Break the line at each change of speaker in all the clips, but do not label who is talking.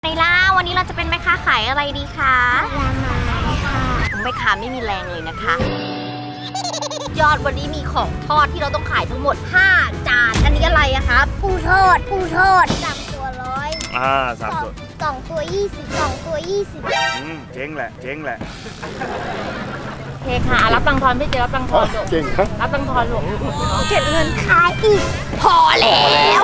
ในล่าวันนี้เราจะเป็นแม่ค้าขายอะไรดีคะ
ผลไม้ค่ะ
แม่ค้าไม่มีแรงเลยนะคะยอดวันนี้มีของทอดที่เราต้องขายทั้งหมด5จานอันนี้อะไรอะครับ
ปูทอด3 ตัว100
3 ตัว
2 ตัว20 2 ตัว20
เจ๊งแหละ
โอเคค่ะรับตังค์ทอนพี่เจรับตังค์ทอนลูก
เก่งครับ
รับตังค์ทอนลูก
เก็บเงินขายอีก
พอแล้ว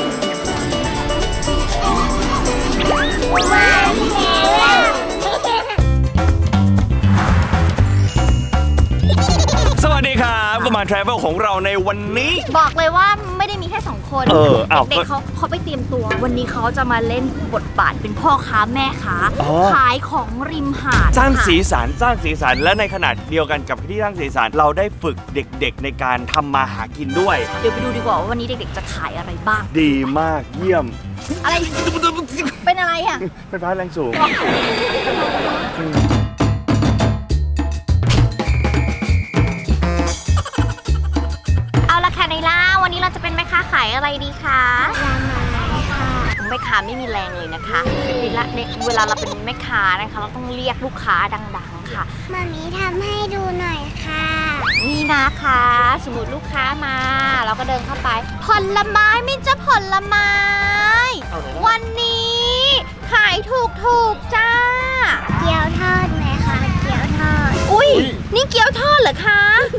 สวัสดีครับก็มา Travel ของเราในวันนี้
บอกเลยว่าไม่ได้มีแค่2คนเด็กเขาไปเตรียมตัววันนี้เขาจะมาเล่นบทบาทเป็นพ่อค้าแม่ค้าขายของริมหาด
สร้างสีสันและในขณะเดียวกันกับที่สร้างสีสันเราได้ฝึกเด็กๆในการทำมาหากินด้วย
เดี๋ยวไปดูดีกว่าว่าวันนี้เด็กๆจะขายอะไรบ้าง
ดีมากเยี่ยม
อะไรเป็นอะไรอ่ะ
เป็นพาแรงสูง
เอาละค่ะในล่าวันนี้เราจะเป็นแม่ค้าขายอะไรดีคะ
ผลไม้ค่ะ
แม่ค้าไม่มีแรงเลยนะคะเวลาเราเป็นแม่ค้านะคะเราต้องเรียกลูกค้าดังๆค่ะ
มามีทำให้ดูหน่อยค่ะ
นี่นะคะสมมติลูกค้ามาเราก็เดินเข้าไปผลไม้มิจะผลไม้วันนี้ขายถูกจ้า
เกี๊ยวทอดไหมคะเกี๊ยวทอด
อุ้ยนี่เกี๊ยวทอดเหรอคะ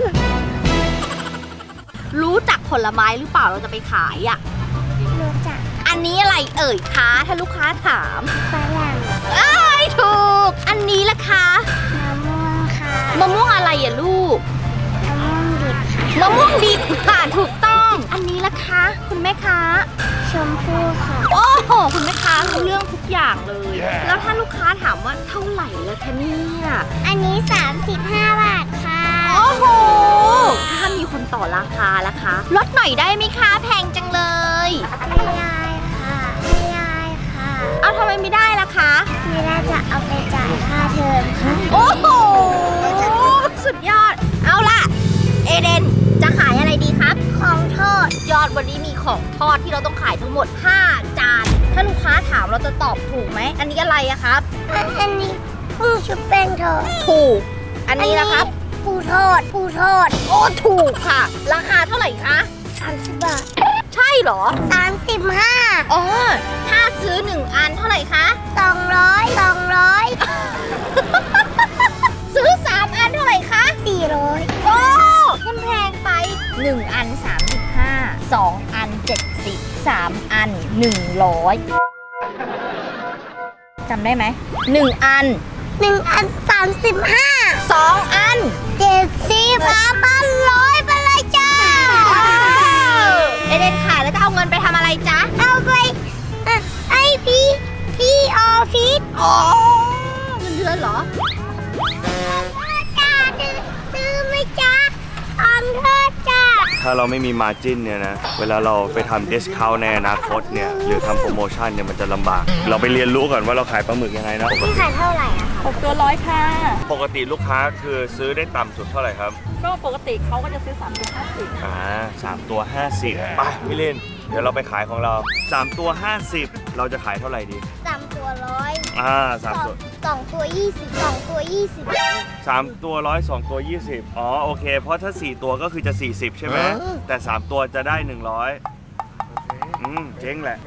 รู้จักผลไม้หรือเปล่าเราจะไปขายอ่ะ
รู้จัก
อันนี้อะไรเอ่ยคะถ้าลูกค้าถาม
ฝรั่ง
ถูกอันนี้ล่ะคะ
มะม่วงค่ะ
มะม่วงอะไรอ่ะลูก
มะม่วงดิบค่ะ
มะม่วงดิบค่ะถูกต้องอันนี้ล่ะคะคุณแม่ค้า
ชมพู่ค่ะ
โอ้โหคุณแม่ค้ารู้เรื่องทุกอย่างเลยแล้วถ้าลูกค้าถามว่าเท่าไหร่ล่ะคะเนี่ย
อันนี้35 บาทค่ะ
โอ้โหถ้ามีคนต่อราคาล่ะคะลดหน่อยได้ไหมคะแพงจังเลย
ไม่ได้ค่ะ
เอาทำไมไม่ได้ล่ะคะ
ไม่ได้จะเอาไปจ่ายค่าเทอมค่ะ
โอ้โหสุดยอดเอาล่ะเอเดนจะขายอะไรดีครับ
ของทอด
ยอดวันนี้มีของทอดที่เราต้องขายทั้งหมด5จานถ้าลูกค้าถามเราจะตอบถูกไหมอันนี้อะไรอะครับ
อันนี้ปูชุบแป้งทอด
ถูกอันนี้นะครับ
ปูทอด
โอ้ถูกค่ะราคาเท่าไหร่คะ
30 บาท
ใช่เหรอ
35
อ๋อถ้าซื้อ1อันเท่าไหร่คะ
200
ซื้อ3อันเท่าไหร่คะ
400
โอ้มันแพงไป1อัน35 2อัน70 3อัน100จำได้ไหม1อัน
35
2อัน
70 3,100ไปเลยจ้า
เอเดนขายแล้วจะเอาเงินไปทำอะไรจ๊ะ
เอาไปไอพี่ออฟฟิศ
อ๋อเงินเดือนเหรอ
จ้าซื้อไหมจ้าของเธอจ้า
ถ้าเราไม่มีมาร์จิ้นเนี่ยนะเวลาเราไปทำดิสคาวน์ในอนาคตเนี่ยหรือทำโปรโมชั่นเนี่ยมันจะลำบากเราไปเรียนรู้ก่อนว่าเราขายปลาหมึกยังไงนะ
พี่ขายเท่าไหร่อะคะ
6ตัว100ค่ะ
ปกติลูกค้าคือซื้อได้ต่ำสุดเท่าไหร่ครับ
ก็ปกติเขาก็จะซื้อ3ตัว50
3 ตัว 50ไปพี่เล่นเดี๋ยวเราไปขายของเรา3 ตัว 50เราจะขายเท่าไหร่ดี
3 ตัว100
3 ตัว
2 ตัว20 2 ตัว20
3 ตัว100 2 ตัว20อ๋อโอเคเพราะถ้า4ตัวก็คือจะ40ใช่ไหมแต่3ตัวจะได้100เจ๊งแหละ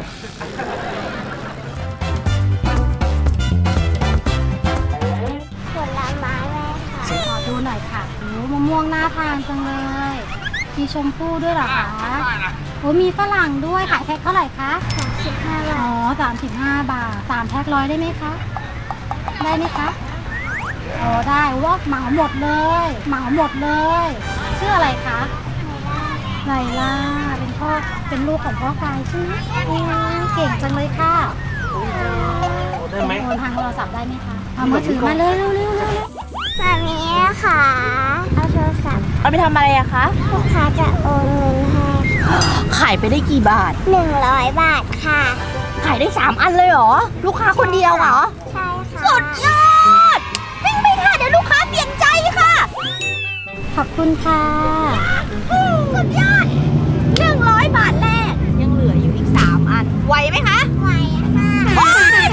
ผลไม้แม่ค่ะ
ขอดูหน่อยค่ะโอ้มะม่วงน่าทานจังเลยมีชมพู่ด้วยเหรอคะโอ้มีฝรั่งด้วยขายแพ็คเท่าไหร่คะ
35 บาท
อ๋อ35 บาท3แพ็ค100ได้ไหมคะได้ไหมคะอ๋อได้ว่าเหมาหมดเลยชื่ออะไรคะไลล่าเป็นลูกของพ่อกายใช่ไหมเก่งจังเลยค่ะ
ได้ไหม
ทางโทรศัพท์ได้ไหมคะเอามือถือมาเร็ว
แบบนี้ค่ะเอาโทรศัพท์
เอาไปทำอะไรอะคะ
ลูกค้าจะโอนเงินให้
ขายไปได้กี่บาท
100 บาทค่ะ
ขายได้3อันเลยเหรอลูกค้าคนเดียวเหรอ
ใช่ค่ะ
สุดยอดวิ่งไปค่ะเดี๋ยวลูกค้าเปลี่ยนใจค่ะ
ขอบคุณค่ะ
สุดยอด100 บาทแรกยังเหลืออยู่อีก3อันไหวไหมคะ
ไหวค่ะ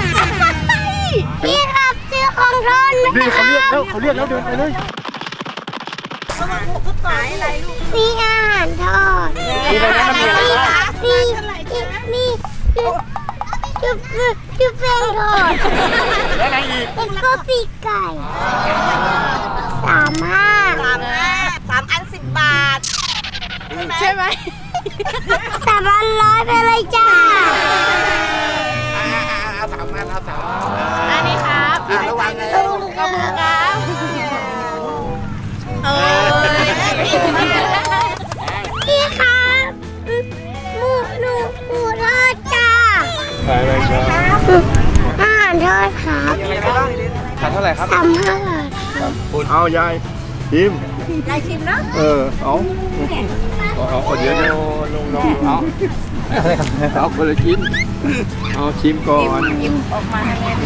นี่เขาเรียกแล้วเดินไปเลย
มีอาหารทอด
มีอะไรนะมีอะไรบ้าง
มีจุ๊บแป้งทอด
แล้วอะไรอีก
แล้วก็ปีกไก่3 อัน 10 บาท ใช่ไหม3 อัน100ไปเลยจ้า
เอา3 อันเอา3
อันนี้ครับ
ระวังเลย
ขอบคุณครับพี่ครับหมูทอดจ้า
ไปเลยครับ
อาหารทอดครับ
มีอะไรบ้างขาดเท่าไหร่ครับ
35 บาท
เอายายชิมยายชิมนะเอาคนเดียวนะเอาคนละชิ้นเอาชิมก่อนชิมออกมา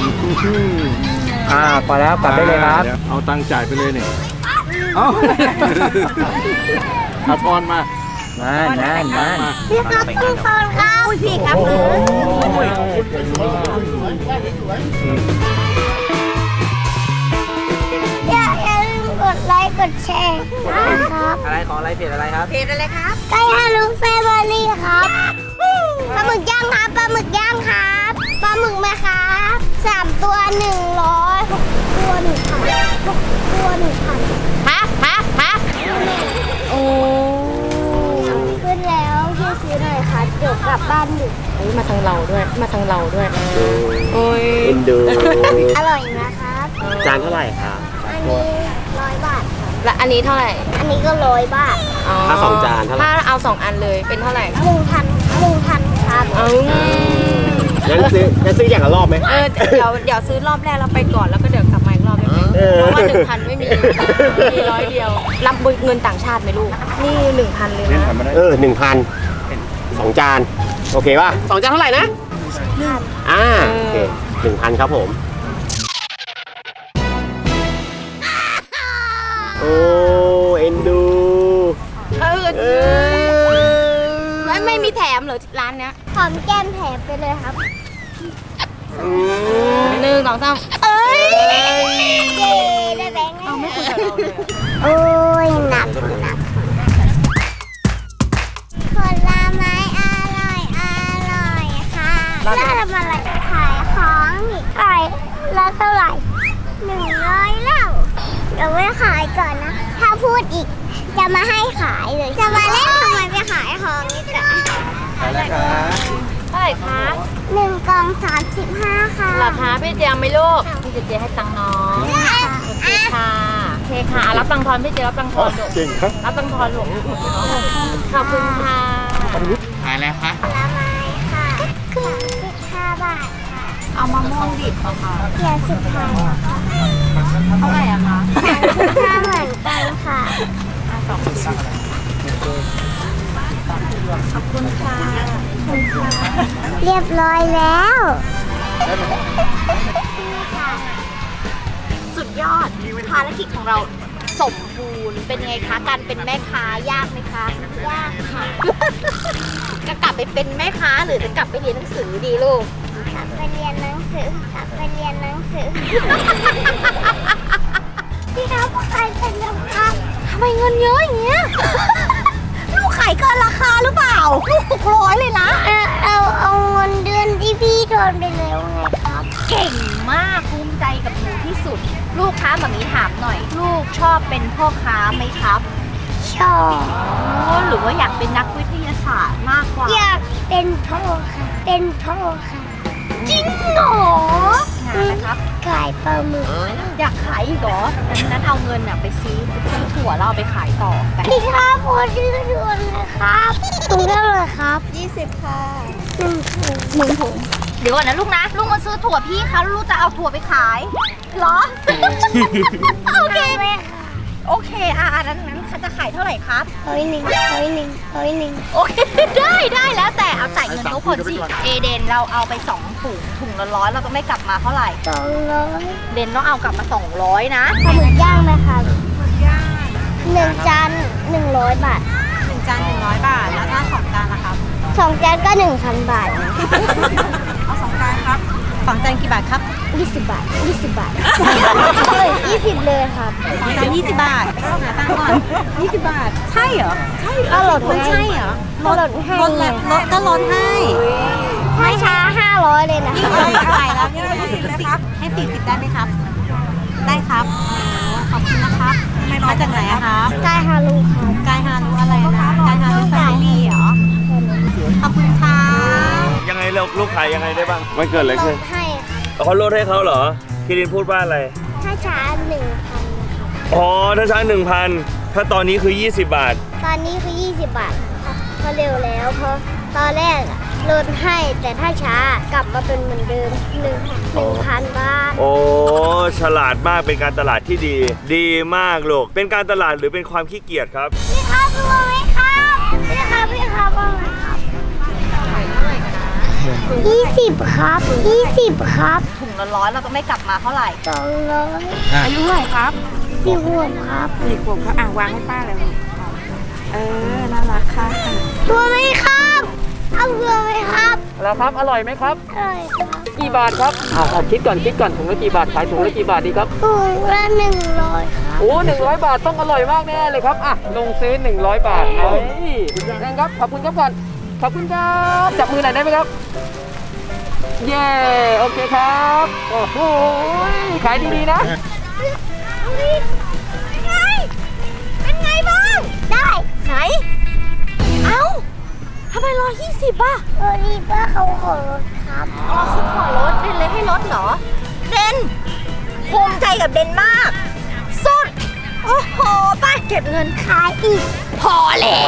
พอแล้วกลับได้เลยครับเอาตังค์จ่ายไปเลยเนี่ยเอาเอาทอนมานั่น
พี่ครับคุณฟอนครับพี่ครับอย่าลืมกดไลค์กดแชร์นะครับ
อะไรของอะไรเพจอะไรครับ
ไก่ฮารุแฟมิลี่ครับปลาหมึกย่างครับปลาหมึกย่างครับปลาหมึกไหมครับ3 ตัว 100 6 ตัว 1,000 6 ตัว 1,000ฮะโอ้ขึ้นแล้วพี่ซื้อหน่อยค่ะเดี๋ยวกลับบ้านดึก
มาทางเราด้วยโอ้ย
เอ็นดู
อร่อยนะครับ
จานเท่าไหร่ครับ
อันนี้100 บาทครับ
และอันนี้เท่าไหร่
อันนี้ก็100 บาท
ถ้า2 จานเท่าไหร่
ถ้าเอา2 อันเลยเป็นเท่าไหร่
1,000ครับ
งั้นซื้ออย่างละรอบไหม
เดี๋ยวซื้อรอบแรกเราไปก่อนแล้วก็เดี๋ยวกลับมาอีกรอบได้ไหมเพราะว่า 1,000 ไม่มี มี100 เดียว รับเงินต่างชาติไหมลูก นี่ 1,000 เลยนะ
1,000 2 จาน โอเคป่ะ2 จานเท่าไหร่นะโอเค 1,000 ครับผม โอ้เอ็นดู
ไม่มีแถมเหรอร้านเนี้ย
หอมแก้มแถมไปเลยครับ
1 2 3
เอ้ยเย้ได้แบงค์เอาไม่คุยกับเราเลยโอ้ยหนักผลไม้อร่อยค่ะแล้วทำอะไรขายของนี่ขายแล้วเท่าไหร่100แล้วเดี๋ยวไม่ขายก่อนนะ ถ้าพูดอีกจะมาให้ขายเลย จะมาเล่นทำไมไปขายของนี่จ้ะ
เท่าไหร่คะ
1 กล่อง 35 ค่ะ
ราคาพี่เจียมไหมลูกพี่เจียให้ตังค์น้องโอเคค่ะรับตังค์ทอนพี่เจียรับตังค์ทอนลูก
เก่งครับ
รับตังค์ทอนลูกขอบคุณค่ะ
ขายอะไรคะ
ผลไม้ค่ะ35 บาทค่ะ
เอามะม่วงดิบค่ะ
เกียร์สุดท้ายแล้วค่ะ
เท่าไหร่อะคะ
35เหมือนกันค่ะ
ขอบคุณค่ะ
เรียบร้อยแล้ว
สุดยอดภารกิจของเราสมบูรณ์เป็นไงคะการเป็นแม่ค้ายากไหมคะยากค่ะ จะกลับไปเป็นแม่ค้าหรือจะกลับไปเรียนหนังสือดีลูก
กลับไปเรียนหนังสือพี่ครับขายเป็นยังไง
ทำไมเงินเยอะอย่างเงี้ย ลูกขายเกินราคาหรือเปล่า ลูก600เลยนะ
เอาเงินเดือนที่พี่โดนไปแล้วไงครับ
เก่งมากภูมิใจกับหนูที่สุด ลูกค้าแบบนี้ถามหน่อย ลูกชอบเป็นพ่อค้าไหมครับ
ชอบ
หรือว่าอยากเป็นนักวิทยาศาสตร์มากกว่า
อยากเป็นพ่อค่ะ จริงเหรอ
งานนะครับ
ขายปลาหมึก
อยากขายอีกเหรอนั้นเอาเงินน่ะไปซื้อถั่วเราเอาไปขายต่อไป
พี่ครับพอดื้อด่วนเลยครับถุงเท่าไหร่ครับ20 ค่ะ1 ถุง
เดี๋ยวก่อนนะลูกนะ ลูกมาซื้อถั่วพี่คะลูกจะเอาถั่วไปขายเหรอ โอเค โอเคนั้นเขาจะขายเท่าไหร่ครับ
100
โอเค ได้แล้วแต่เอาจ่ายเงินทุกคนสิ เอเดนเราเอาไป2 ถุงละ100เราต้องได้กลับมาเท่าไหร่
200
เดนต้องเอากลับมา200นะ
ปลาหมึกย่างไหมครับ1 จาน100 บาท
1 จาน100 บาทแล้วถ้า2 จานล่ะครับ
2 จานก็ 1,000 บาทนะ
เอา2 จานครับของจานกี่บาทครับ
20 บาท 20 บาทเฮ้ย20 เลยครับ
ของจาน20 บาทหาตังค์ก่อน20 บาท ใช่เหรอ ใช่
ก็ลด
มันใช่เหรอ
ก็ลดให้
ลดแล้วลดก็ลดให้
ไม่ช้า500เลยนะ
นี่เราจ่ายแล้วนี่เรา40เลยครับให้40ได้ไหมครับ ได้ครับขอบคุณนะครับมาจากไหนอะครับ
กายฮารุครับ
กายฮารุอะไรนะกายฮารุแฟมิลี่เหรอขอบคุณค่ะ
ยังไงลูกขายยังไงได้บ้างมันเกิดอะไร
ล
ขึ้น
ดให้ค่ะ
เขาลดให้เขาเหรอคิรินพูดว่าอะไร
ถ้าช้า1,000
อ๋อถ้าช้า 1,000 ถ้าตอนนี้คือ 20 บาท
ตอนนี้คือ 20 บาทครับก็เร็วแล้วเพราะตอนแรกอะลดให้แต่ถ้าช้ากลับมาเป็นเหมือนเดิม1,000 บาท
โอ้ฉลาดมากเป็นการตลาดที่ดี ดีมากลูกเป็นการตลาดหรือเป็นความขี้เกียจครับ
พี่ครับดูไหมครับพี่ครับว่าไงครับ20 ครับ 20 ครับ
ถุงละ100เราก็ไม่กลับมาเท่าไหร่
200
อายุเท่าไหร่ครับ
4 ขวบครับ
4 ขวบครับวางให้ป้าเลยลูกน่ารักค่ะ
ตัวไหมครับเอาเรือไหมครับ
แล้วครับ อร่อยไหมครับ
อร่อยครับ
กี่บาทครับคิดก่อนถุงละกี่บาท ขายถุงละกี่บาทดีครับ
ถุงละ100 ครับ
โอ้100 บาทต้องอร่อยมากแน่เลยครับ ลงซื้อ 100 บาทเฮ้ยนั่นครับ ขอบคุณครับก่อน ขอบคุณครับ จับมือหน่อยได้ไหมครับ เย้ โอเคครับ โอ้โห ขายดีๆนะ
เป็นไงบ้าง ได้ไหนเอ้าทำไม120ป่ะนี่ป้าเขาขอลดครับ
เขาขอลดเดนเลยให้ลดเหรอ เดนภูมิใจกับเดนมาก สุด โอ้โหป้าเก็บเงิน
ขายอีก
พอแล้ว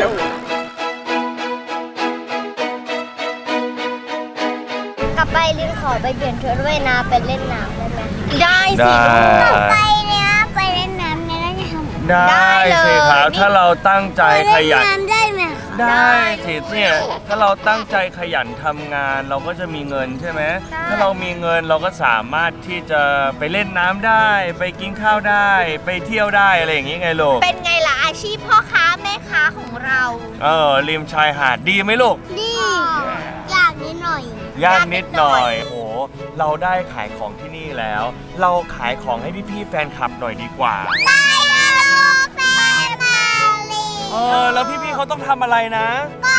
กลับไปลินขอไปเปลี่ยนชุดว่ายน้ำไปเล่นน้ำได้ไหม
ได้สิ
ได้
ลูก
ไปเนี่ยไปเล่นน้ำเนี่ยได้ทำ
ได้สิครับถ้าเราตั้งใจขยัน
ไปเล่นน้ำได้ไหม
ได้สิเนี่ยถ้าเราตั้งใจขยันทำงานเราก็จะมีเงินใช่ไหมถ้าเรามีเงินเราก็สามารถที่จะไปเล่นน้ำได้ ไปกินข้าวได้ ไปเที่ยวได้อะไรอย่างงี้ไงลูก
เป็นไงล่ะอาชีพพ่อค้าแม่ค้าของเรา
ริมชายหาดดีไหมลูก
ดีอยากนิดหน่อย
ยากนิดหน่อยโอ้เราได้ขายของที่นี่แล้ว เราขายของให้พี่ๆแฟนคลับหน่อยดีกว่า
ไปฮารุแฟมิลี่
แล้วพี่ๆเขาต้องทำอะไรนะ
ก็